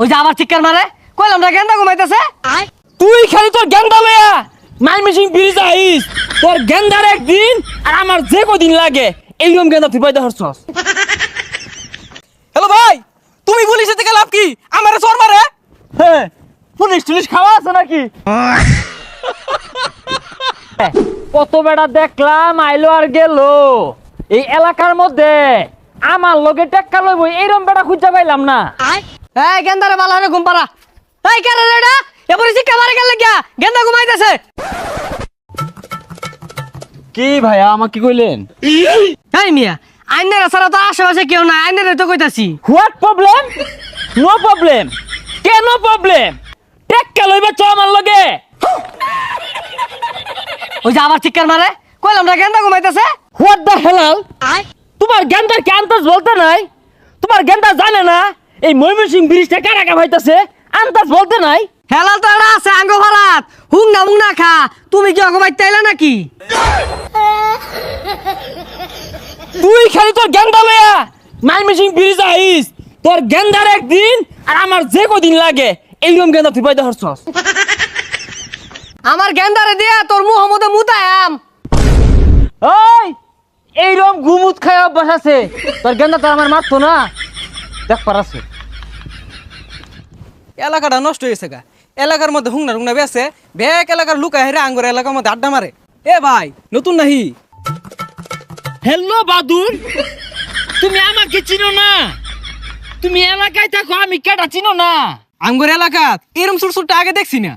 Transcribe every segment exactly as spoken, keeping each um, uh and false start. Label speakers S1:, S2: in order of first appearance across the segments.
S1: ওই যে আবার চিৎকার মারে কইলাম না গেন্দা ঘুমাইতেছে।
S2: তুই খালি তোর গেন্দা লয়া মাই মেশিন ব্রিজ আইস তোর গেন্দার একদিন আর আমার যে কদিন লাগে এইরকম গেন্দা তুই পাইতে হরছস।
S3: হ্যালো ভাই, তুমি পুলিশের থেকে লাভ কি? আমারে চোর মারে।
S2: হ্যাঁ পুলিশ টুলিশ খাওয়া আছে নাকি? কত বেড়া দেখলাম আইলো আর গেল এই এলাকার মধ্যে আমার লগে টেক্কা লইব এইরকম বেড়া খুঁজা পাইলাম না।
S1: এই গেন্দারে ভালো হবে ঘুম পাড়া। এই কেন রে এটা এবারে চিৎকার মারে গেল গিয়া গেন্দা ঘুমাইতেছে।
S2: কি ভাইয়া আমাকে কইলেন?
S1: এই মিয়া আইনের ছাড়া তো আশেপাশে কেউ নাই, আইনের তো কইতাছি।
S2: What problem? No problem. কেন প্রবলেম? টেক্কা লইবা চ আমার লগে।
S1: ওই যে আবার চিৎকার মারে কইলাম না গেন্দা ঘুমাইতেছে।
S2: হোয়াট দ্য হেলাল? তোমার গেন্দার কি আন্দাজ বলতে নাই? তোমার গেন্দা জানে না এই ময়মনসিংহ ব্রিজটা কারা কা ভাইতাছে? আন্দাজ বলতে নাই?
S1: হেলাল তো এটা আছে আঙ্গ ভারাত হুং না মুং না খা। তুমি কি ঘুমাইতে আইলা নাকি?
S2: তুই খালি তোর গেন্দা লয়া ময়মনসিংহ ব্রিজ আইস তোর গেন্দার একদিন আর আমার যে কদিন লাগে এইরকম গেন্দা তুই পাইতে হরছস।
S1: আমার গেন্দারে দিয়া তোর মুহ মধ্যে মুতায়াম।
S2: ওই এইরকম গুমুত খায় অভ্যাস আছে তোর গেন্দা তো আমার মারতো না দেখ পারাছে।
S3: এলাকাটা নষ্ট হয়েছে গা। এলাকার মধ্যে হুংনা টুংনা বেছে ব্যাক এলাকার লুকায় হেরে আঙ্গুর এলাকার মধ্যে আড্ডা মারে। এ ভাই নতুন নাহি?
S2: হ্যালো বাদুর, তুমি আমাকে চিনো না? তুমি এলাকায় থাকো, আমি কেটা চিনো না?
S3: আঙ্গুর এলাকা এরম ছোট ছোট আগে দেখছি না।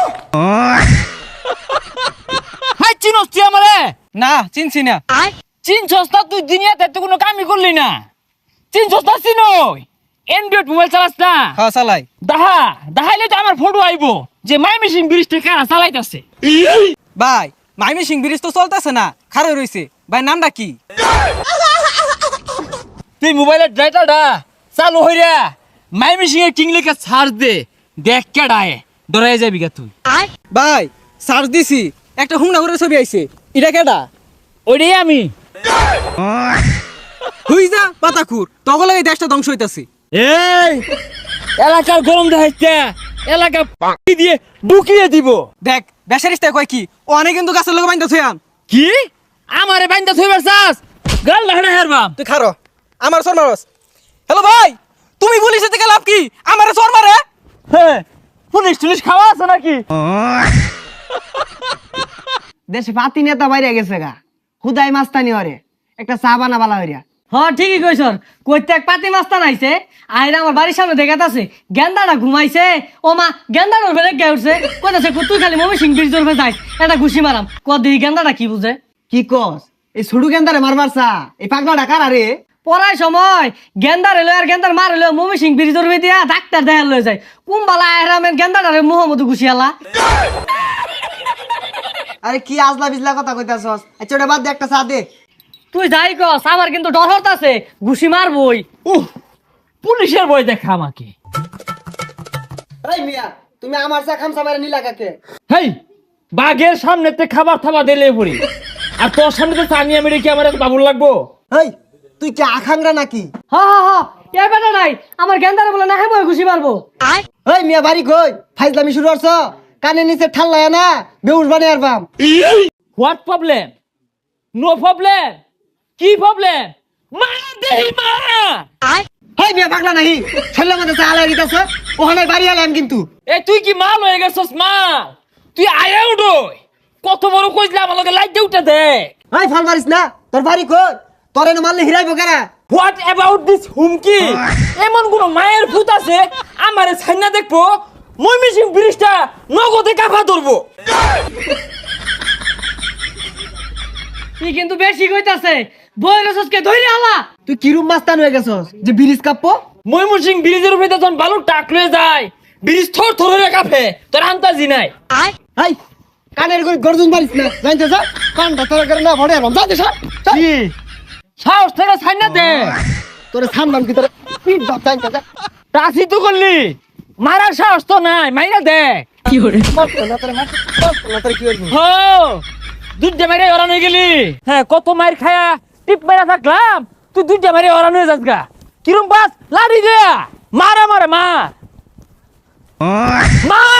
S2: হাই চিনোস তুই আমারে?
S3: না চিনছি না।
S2: চিনছস না তুই? দুনিয়াতে তো কোনো কামই করলি না। চিনছস না? চিনো অ্যান্ড্রয়েড মোবাইল চালাস না?
S3: হ্যাঁ চালাই।
S2: দাহা দাহাইলে তো আমার ফটো আইবো যে ময়মনসিংহ ব্রিজটা কারা চালাইতাছে।
S3: ভাই ময়মনসিংহ ব্রিজ তো চলতেছে না, খারে রইছে। ভাই নামটা কি?
S2: তুই মোবাইলের ড্রাইটারটা চালু হইরা ময়মনসিংহের কিং লেখা সার্চ দে, দেখ কেডায় ডরাই যাবি গা তুই।
S3: ভাই সার্চ দিছি, একটা হুংনা করে ছবি আইছে। এটা কেডা?
S2: ওইটাই আমি।
S3: হুই যা পাতাকুর, তখন এই দেশটা ধ্বংস হইতাছে।
S2: এই এলাকার গরম দেখাইতে এলাকা পাকি দিয়ে ঢুকিয়ে দিব।
S3: দেখ বেসারিস্তা কয় কি, ও অনেক কিন্তু গাছের লোক বাইন্দা থইয়াম।
S2: কি আমারে বাইন্দা থইবার চাস? গাল লাহড়া হেরবাম।
S3: তুই খারো আমার চোর মারস। হ্যালো ভাই, তুমি পুলিশের থেকে লাভ কি? আমারে চোর মারে।
S2: হ্যাঁ পুলিশ টুলিশ খাওয়া আছে নাকি?
S1: দেশে পাতি নেতা বাইরে গেছে গা, হুদাই মাস্তানি হরে একটা চা বানা বালা হইরা। হ্যাঁ ঠিকই কইছ, কইতে এক পাতি মাস্তান আইছে আইরা আমার বাড়ির সামনে দেখাতাছে গেন্দাটা ঘুমাইছে। ও মা গেন্দাটা বেড়ে গে উঠছে, কইতাছে তুই খালি ময়মনসিংহ ব্রিজ ধরবে যাইস একটা ঘুষি মারাম। কদি গেন্দাটা কি বুঝে?
S4: কি কস? এই ছোট গেন্দারে মারবার চা এই পাগলাটা কার আরে?
S1: পড়ার সময় গেন্দার এলো আর গেন্দার মার এলো ময়মনসিংহ ব্রিজ ধরবে দিয়া ডাক্তার দেখা লয়ে যায়। কুম্বালা আহরামের গেন্দাটারে মোহাম্মদ ঘুষিয়ালা।
S4: আরে কি আজলা বিজলা কথা কইতাছস? আচ্ছা ওটা বাদ দে, একটা চা দে।
S1: তুই যাই কস আমার কিন্তু ডর হতাছে, ঘুষি মারবই।
S2: উহ পুলিশের ভয় দেখা আমাকে।
S4: এই মিয়া তুমি আমার চা খামসা মারে নিলা কাকে?
S2: হেই বাঘের সামনেতে খাবার থাবা দিলে পড়ি আর তোর সামনে তো সানিয়া মেরে কি আমার এত বাবুর লাগবো?
S4: এই তুই কি আখাংরা নাকি?
S1: হ হ হ এ বেটা নাই আমার গেন্দারে বলে না হেবো ঘুষি মারবো।
S4: এই মিয়া বাড়ি কই? ফাইজলামি শুরু করছ? কানে নিচে ঠাল্লায় না বেউস বানিয়ে আরবাম।
S2: What problem? No problem. কি প্রবলেম? মা দেই মা।
S4: এই মিয়া পাগলা নাহি ছেলে মধ্যে চা আলাই দিতাছ, ওখানে বাড়ি আলাম কিন্তু।
S2: এ তুই কি মাল হয়ে গেছস মাল? তুই আয়া উঠোই কত বড় কইলে আমার লগে লাইট দিয়ে উঠে দেখ।
S4: এই ফল মারিস না, তোর বাড়ি কই? তোর এনে মারলে হিরাইবো কেরা?
S2: হোয়াট অ্যাবাউট দিস হুমকি? এমন কোন মায়ের ভূত আছে আমারে ছাইনা দেখবো ময়মনসিংহ ব্রিজটা নগদে কাফা ধরবো?
S1: তুই কিন্তু বেশি কইতাছে, বইরসকে ধইরে আলা।
S4: তুই কিরুম মাস্তান হয়ে গেছস যে ব্রিজ কাঁপবো?
S2: ময়মনসিংহ ব্রিজের উপরে যখন বালু টাক লয়ে যায় ব্রিজ থর থর হয়ে কাঁপে, তোর আন্তাজি নাই।
S4: এই কানের করে গর্জন মারিস না, জানতে যা কানটা তোর করে না ভরে আরবাম। যা দে সর।
S2: কি সাহস থেকে ছাইনা দে।
S4: তোরে সামলাম কি তোরে পিট বাপ জানতে যা।
S2: টাসি তো করলি, মারার সাহস তো নাই, মাইরা দে।
S1: কি করে
S4: মারতো না তোরে, মারতো না তোরে, কি করবি?
S2: হো দুধে মেরে ওরান হয়ে গেলি। হ্যাঁ কত মাইর খায়া টিপ মেরা থাকলাম, তুই দুধে মেরে ওরান হয়ে যাস গা। কিরম বাস লাড়ি দে, মারা মারে মার। মা